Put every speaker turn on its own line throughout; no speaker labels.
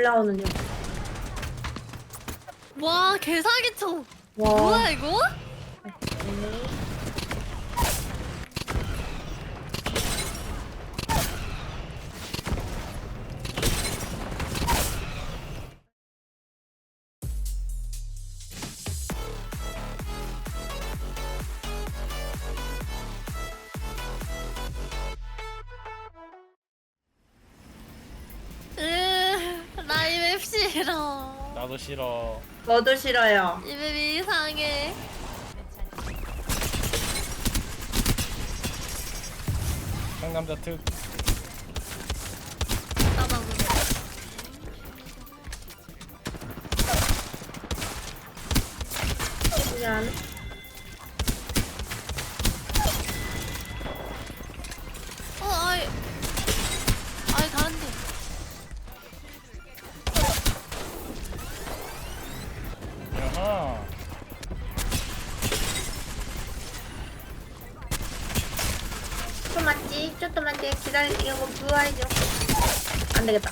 올라오는 중.
와 개사기쳐.
와.
뭐야 이거? 나 이 맵 싫어.
나도 싫어.
저도 싫어요.
이 맵 이상해.
상남자 특.
나도 그래.
미안.
아이 다른데.
야하.
좀 맞지? 좀만 기다리고 부활해줘. 안 되겠다.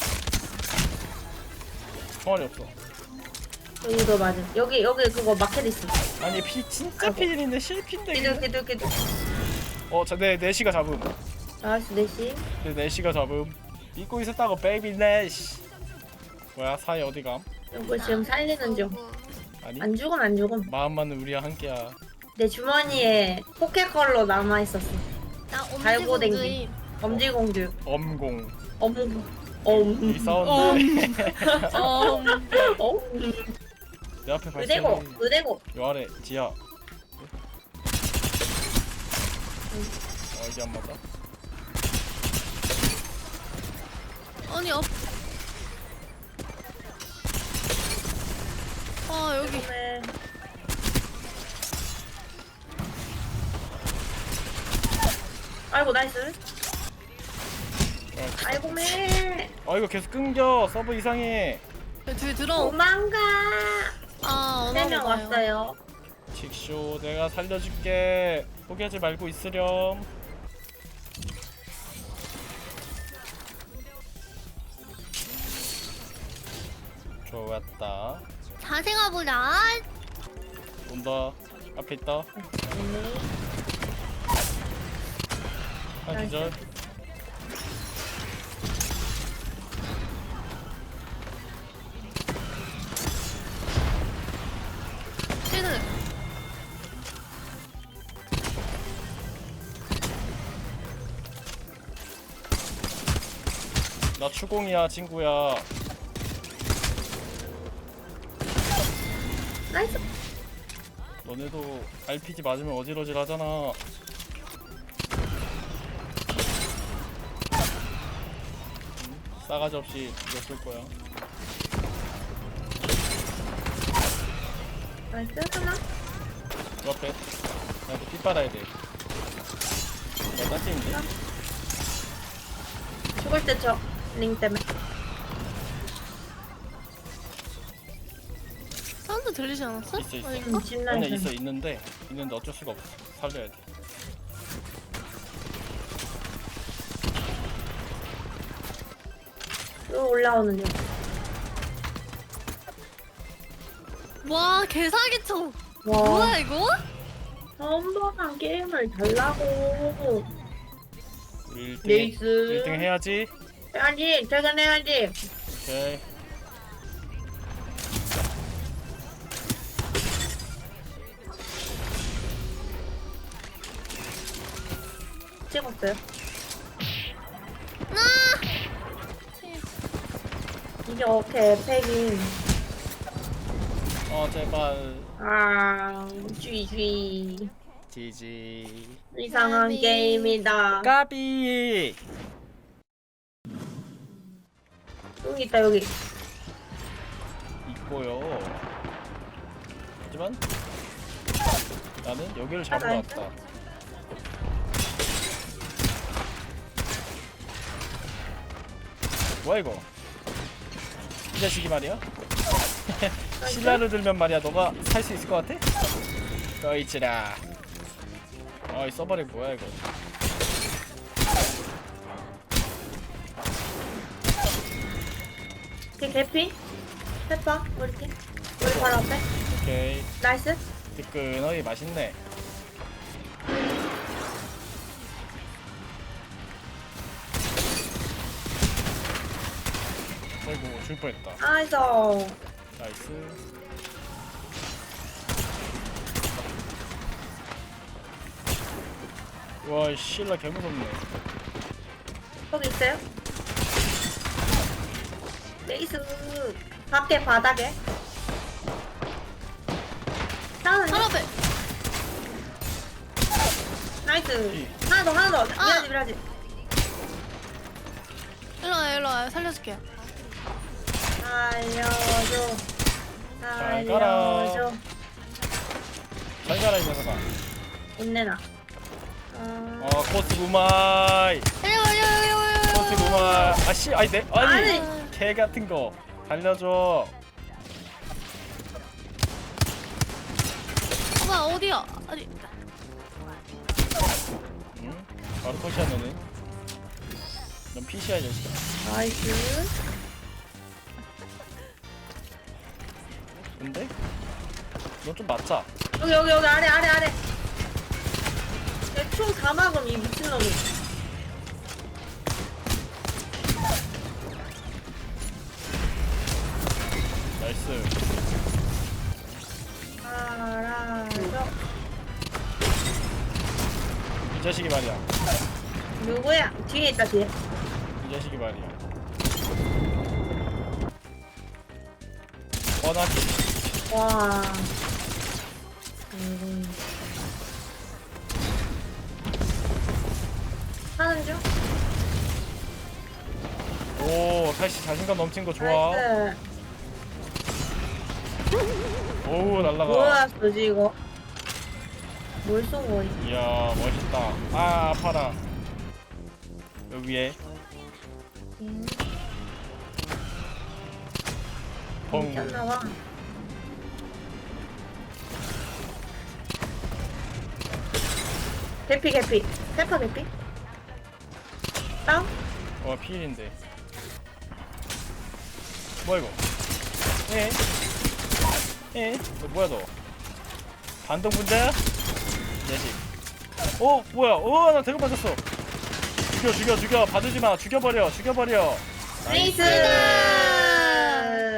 총알이 없어.
여기도 맞음. 여기 그거 마켓 있어.
아니 피 진짜 필인데 실핀데.
기도.
내 내시가 잡음.
나이스 내시.
내 내시가 잡음. 믿고 있었다고 베이비 내시. 뭐야 사이 어디감?
이거 지금 살리는 중.
아니
안 죽음.
마음만은 우리와 함께야.
내 주머니에 포켓컬러 남아 있었어.
나
달고
엄지공주임.
엄지공주.
엄공.
엄.
이 사운드.
엄.
내 앞에 발생.
의대고.
요 아래 지하. 이게 안 맞아?
아니 앞. 아 여기.
네. 아이고 나이스. 아이고 매.
이거 계속 끊겨. 서브 이상해.
뒤에 들어.
도망가.
아
3명 왔어요.
칙쇼 내가 살려줄게. 포기하지 말고 있으렴. 좋았다.
자생아 보자.
온다. 앞에 있다. 한 기절.
쟤는
나 추공이야 친구야.
나이스.
너네도 RPG 맞으면 어지러질 하잖아. 싸가지 없이 죽였을 거야.
나이스 하나.
그 앞에 나도 피 빨아야 돼. 나 따지인데?
죽을 때 저 링 때문에.
사운드 들리지 않았어?
있어.
아닌가?
아니야 있는데 어쩔 수가 없어. 살려야 돼.
또 올라오는 중.
와 개사기쳐.
와.
뭐야 이거?
한번한 게임을 달라고.
우리 1등,
네이스.
1등 해야지.
해야지. 퇴근해야지.
오케이.
찍었어요. 이게 어떻게 팩인.
제발.
쥐.
지지.
이상한
까비.
게임이다.
까비.
여기 있다 여기.
있고요. 하지만 나는 여기를 잡으러
나이스.
왔다. 뭐야 이거? 이 자식이 말이야? 신라를 들면 말이야 너가 살 수 있을 것 같아? 꺼이치라. 이 서버렉 뭐야 이거?
걔 개피? 페퍼? 우리 팀? 우리 바로 앞에?
오케이.
나이스.
뜨끈하게 맛있네. 아이고 줄 뻔했다.
나이스.
나이스. 와 실라 개무섭네.
거기 있어요? 레이스. 밖에 바닥에. 다운.
바로 앞에.
나이스. 하나 더, 하나 더. 미라지, 미라지.
일로 와요. 살려줄게요.
살려줘.
잘 가라.
살려줘.
잘 가라 이 녀석아.
있네나.
코스 구마이. 코스 구마이. 아씨 아니 내 아니
아니.
개 같은 거 달려줘.
오빠 어디야? 아니.
응? 바로 컷이야 너는. 넌 PC야 이 자식아.
나이스.
근데 너 좀 맞자.
여기 아래. 총 다 막음 이 미친놈이.
나이스.
알아줘.
이 자식이 말이야.
누구야? 뒤에 있다 뒤에.
이 자식이 말이야. 뻔하지.
와. 하는 중?
오 다시 자신감 넘친 거 좋아.
나이스.
오우 날라가.
뭐야 뭐지 이거? 뭘 쏘고 있어?
이야 멋있다. 아 아파라. 여기 위에 펑.
괜찮나봐. 개피 페퍼 개피? 다운?
피일인데. 뭐야 이거? 너 뭐야 너? 반동 분자야? 이 자식. 뭐야? 나 대고 맞았어. 죽여. 봐주지 마. 죽여버려.
레이스!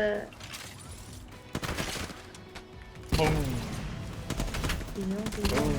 펑.
인형.